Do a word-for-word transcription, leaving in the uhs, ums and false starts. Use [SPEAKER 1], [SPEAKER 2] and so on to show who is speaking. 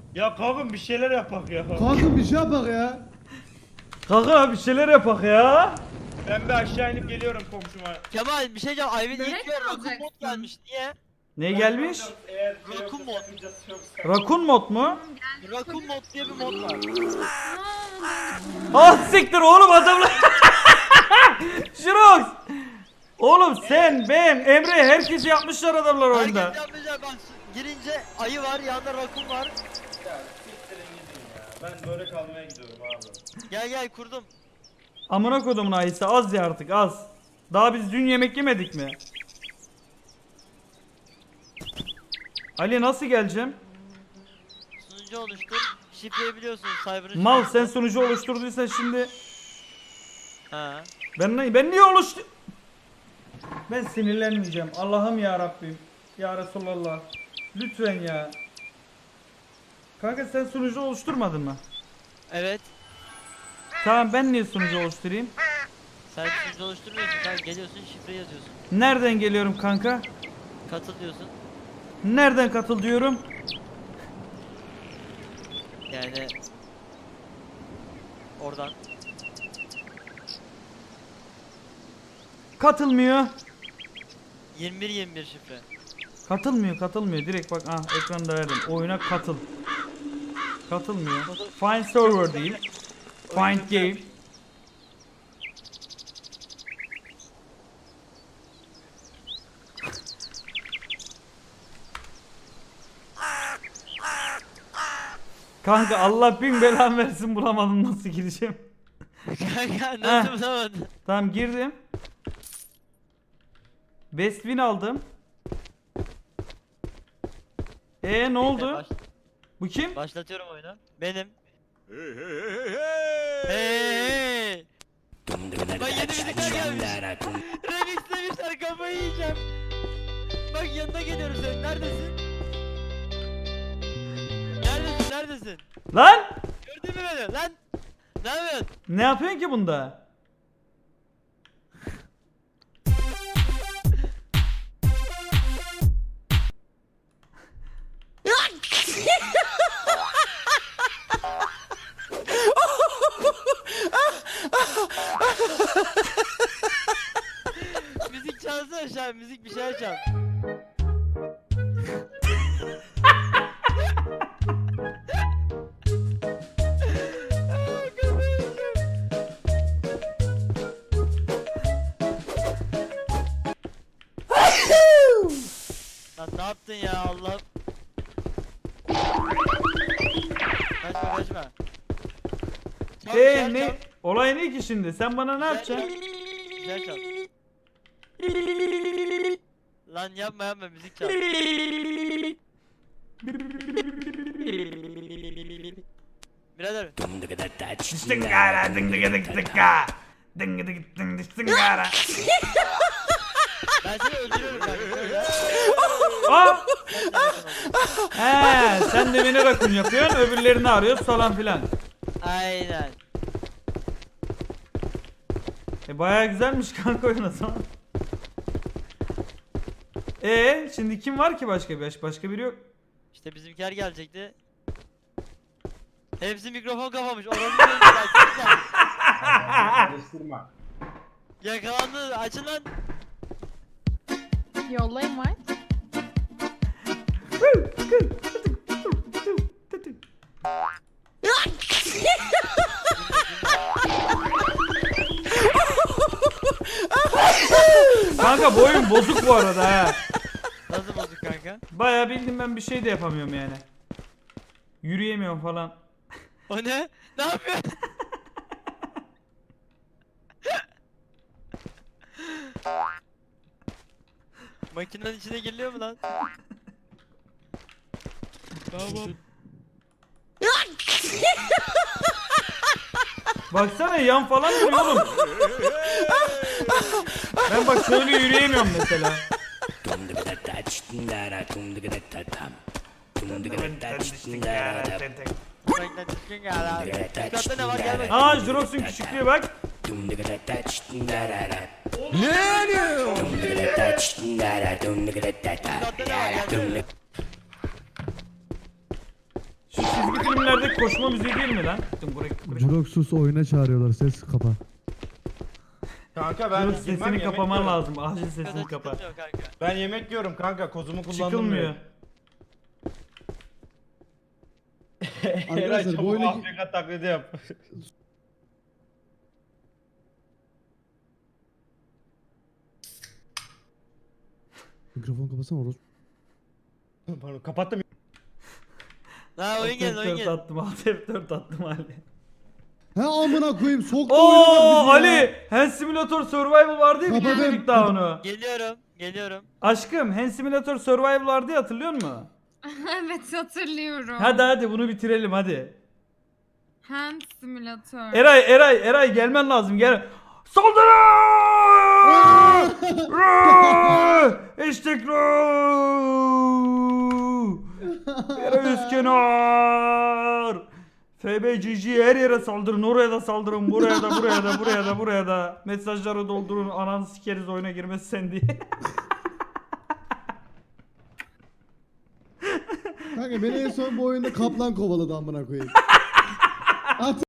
[SPEAKER 1] Ya kanka bir şeyler yapak ya.
[SPEAKER 2] Kanka bir şey yapak ya.
[SPEAKER 3] Kanka bir şeyler yapak ya.
[SPEAKER 1] Ben bir aşağı inip geliyorum komşuma.
[SPEAKER 4] Kemal bir şey diyeceğim. Ayvin
[SPEAKER 5] Börek
[SPEAKER 4] ilk
[SPEAKER 5] mi
[SPEAKER 4] ver Rakun
[SPEAKER 5] alacaksın?
[SPEAKER 4] mod gelmiş. Niye?
[SPEAKER 3] Ne gelmiş?
[SPEAKER 1] Eğer
[SPEAKER 4] Rakun mod.
[SPEAKER 3] Rakun mod mu?
[SPEAKER 4] Rakun mod diye bir mod var.
[SPEAKER 3] Ah siktir oğlum adamlar. Şirox. Oğlum sen, ben, Emre herkesi yapmışlar adamlar oyunda.
[SPEAKER 4] Herkes yapmayacak bak. Girince ayı var, yanında rakun var.
[SPEAKER 1] Ya siktirin gidin ya. Ben börek almaya gidiyorum abi.
[SPEAKER 4] Gel gel kurdum.
[SPEAKER 3] Amına kodumun ayısı az ya artık az. Daha biz dün yemek yemedik mi? Ali nasıl geleceğim?
[SPEAKER 4] Sunucu oluştur. Şifreyi biliyorsunuz. Cyber'ın
[SPEAKER 3] Mal
[SPEAKER 4] şifresi.
[SPEAKER 3] sen sunucu oluşturduysan şimdi
[SPEAKER 4] Ha.
[SPEAKER 3] ben ne ben niye oluştu? Ben sinirlenmeyeceğim. Allah'ım ya Rabbim. Ya Resulallah. Lütfen ya. Kanka sen sunucu oluşturmadın mı?
[SPEAKER 4] Evet.
[SPEAKER 3] Tamam ben niye sunucu oluşturayım?
[SPEAKER 4] Sen sunucu oluşturmuyorsun. Sen geliyorsun şifre yazıyorsun.
[SPEAKER 3] Nereden geliyorum kanka?
[SPEAKER 4] Katıl diyorsun.
[SPEAKER 3] Nereden katıl diyorum?
[SPEAKER 4] Yani oradan.
[SPEAKER 3] Katılmıyor.
[SPEAKER 4] yirmi bir yirmi bir şifre.
[SPEAKER 3] Katılmıyor, katılmıyor. Direkt bak ah ekranda verdim. Oyuna katıl. Katılmıyor. Find server değil. Find game. Kanka Allah bin belan versin bulamadım nasıl gireceğim.
[SPEAKER 4] Kanka nasıl bulamadın?
[SPEAKER 3] Tamam girdim. Best win aldım. E ne oldu?
[SPEAKER 4] Baş-
[SPEAKER 3] Bu kim?
[SPEAKER 4] başlatıyorum oyunu. Benim. Hey. Bak yeni müzikler gelmiş. Remixlemişler kafayı yiyeceğim. Bak yanına geliyorum senin. Neredesin? Neredesin? Neredesin?
[SPEAKER 3] Lan!
[SPEAKER 4] Gördün mü beni? Lan! Ne yapıyorsun?
[SPEAKER 3] Ne yapıyorsun ki bunda?
[SPEAKER 4] Müzik çalsana şu an. Müzik bir şeyler çal. Lan ne yaptın ya Allah'ım? Kaçma kaçma. Çal,
[SPEAKER 3] Eee
[SPEAKER 4] güzel
[SPEAKER 3] ne?
[SPEAKER 4] çal.
[SPEAKER 3] Olay ne ki şimdi? Sen bana ne yapacaksın?
[SPEAKER 4] Güzel çal. Lan yapma yapma müzik çal. Birader.
[SPEAKER 3] Dıngara dıngıdık dık dıkka. Dıngıdık dıng dık dıngara.
[SPEAKER 4] Ben seni öldürüyorum kanka.
[SPEAKER 3] Hop! He, sen de beni rakun yapıyorsun, öbürlerini arıyorsun falan filan.
[SPEAKER 4] Aynen.
[SPEAKER 3] E bayağı güzelmiş kanka oyun o zaman. E şimdi kim var ki başka bir başka biri yok.
[SPEAKER 4] İşte bizimkiler gelecekti. Hepsi mikrofon kapamış. Oranı gözüküyor.
[SPEAKER 2] Karıştırma.
[SPEAKER 4] Yakalandı. Açın lan.
[SPEAKER 5] Yollayın var.
[SPEAKER 3] Kanka bu oyun bozuk bu arada ha.
[SPEAKER 4] Nasıl bozuk kanka?
[SPEAKER 3] Bayağı bildim ben bir şey de yapamıyorum yani. Yürüyemiyorum falan.
[SPEAKER 4] O ne? Ne yapıyorsun? Makinenin içine giriliyor mu lan? Tamam.
[SPEAKER 3] Baksana yan falan duruyor oğlum. Ben bak şöyle yürüyemiyorum mesela.
[SPEAKER 4] Üstadda ne var gel bakayım.
[SPEAKER 3] Aa Jurox'un küçüklüğü bak.
[SPEAKER 4] Üstadda ne var gel bakayım.
[SPEAKER 3] Şu çizgi filmlerdeki koşma müziği değil mi lan? Dım buraya- buraya-
[SPEAKER 2] Juroxus oyuna çağırıyorlar. Ses kapa.
[SPEAKER 1] Kanka ben
[SPEAKER 3] Dur,
[SPEAKER 1] girmem,
[SPEAKER 3] sesini
[SPEAKER 1] yemek
[SPEAKER 3] kapaman
[SPEAKER 1] yiyorum.
[SPEAKER 3] lazım. Acil sesini
[SPEAKER 4] Sıkıntı
[SPEAKER 3] kapa.
[SPEAKER 4] yok kanka.
[SPEAKER 1] Ben yemek yiyorum kanka. Kozumu kullandım.
[SPEAKER 3] Çıkılmıyor.
[SPEAKER 1] Eray
[SPEAKER 2] Arkadaşlar,
[SPEAKER 1] çabuk
[SPEAKER 2] bu oyuna-
[SPEAKER 1] Afrika taklidi yap.
[SPEAKER 2] Mikrofon kapasana orospu.
[SPEAKER 1] Pardon kapattım.
[SPEAKER 4] Ha oyun geldi oyun
[SPEAKER 3] F dört
[SPEAKER 4] geldi.
[SPEAKER 3] attım. Alt F dört attım Ali.
[SPEAKER 2] He amına koyayım soktu oyuna bak
[SPEAKER 3] Oo
[SPEAKER 2] bizi ya.
[SPEAKER 3] Ali, Hand Simulator Survival vardı ya,
[SPEAKER 2] Kapadım.
[SPEAKER 3] bitirdik daha onu.
[SPEAKER 4] Geliyorum geliyorum.
[SPEAKER 3] Aşkım, Hand Simulator Survival vardı ya, hatırlıyor musun?
[SPEAKER 5] Evet hatırlıyorum.
[SPEAKER 3] Hadi hadi bunu bitirelim hadi.
[SPEAKER 5] Hand Simulator.
[SPEAKER 3] Eray Eray Eray gelmen lazım, gel. Saldırı! Eştek Eray Üskünar! F B G G her yere saldırın, oraya da saldırın, buraya da buraya da buraya da buraya da. Mesajları doldurun, ananı sikeriz oyuna girmesi sen diye.
[SPEAKER 2] Kanka beni en son bu oyunda kaplan kovaladı amına koyayım. At